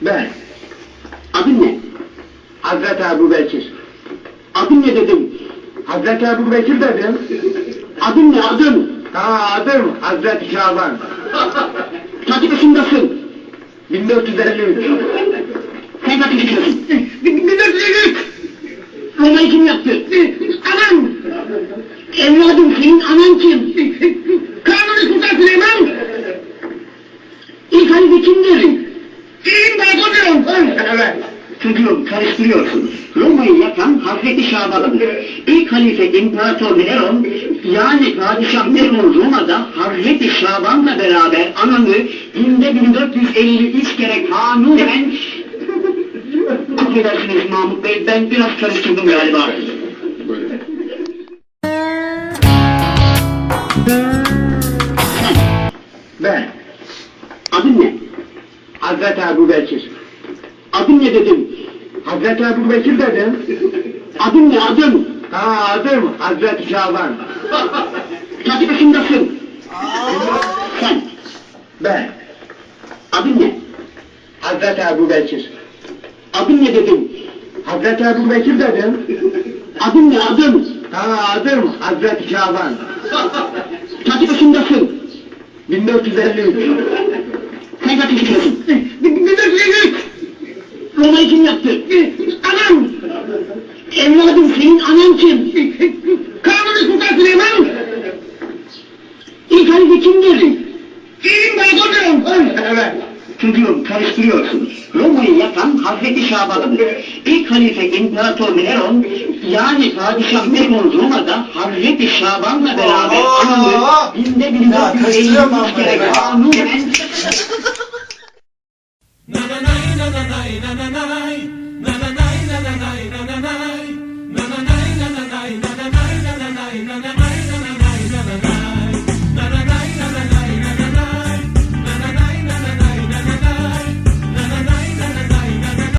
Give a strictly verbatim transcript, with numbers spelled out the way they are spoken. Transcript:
Ben. Adın ne? Hazreti Ebu Bekir. Adın ne dedim? Hazreti Ebu Bekir dedim. Adın ne adın? Ha adım Hazreti Şaban. Kaç yaşındasın? bin dört yüz elli üç. Sen kaç yaşındasın? bin dört yüz elli üç. Roma'yı kim yaptı? Anam! Evladım senin anan kim? Kanuni Sultan Süleyman! İlk halife kimdir? İmparatorluğum! Evet. Çocuğum karıştırıyorsunuz. Roma'yı yapan Hazreti Şaban'dır. İlk halife İmparator Neron, yani Padişah Neron Roma'da Hazreti Şaban'la beraber ananı günde bin dört yüz elli üç kere kanunen... Affedersiniz Mahmut Bey, ben biraz karıştırdım galiba. Ben. Adın ne? Hazreti Ebu Bekir. Adın ne dedim? Hazreti Ebu Bekir dedim. Adın ne adın? Ha adım Hazreti Şaban. Kaç yaşındasın? Sen. Ben. Adın ne? Hazreti Ebu Bekir. Adın ne dedim? Hazreti Ebu Bekir dedim. Adın ne adın? Ha adım Hazreti Şaban. Kaç yaşındasın? bin dört yüz elli üç. Sen kaç yaşındasın? bin dört yüz elli üç. Roma'yı kim yaptı? Anam! Evladım senin anan kim? Kanuni Sultan Süleyman! İlk halife kimdir? İmparatorluğum! Evet. Çocuğum karıştırıyorsunuz. Roma'yı yapan Hazreti Şaban'dır. İlk halife İmparator Neron, yani Padişah Neron Roma'da Hazreti Şaban'la beraber ananı günde bin dört yüz elli üç kere kanunen... Na na na na na na na na na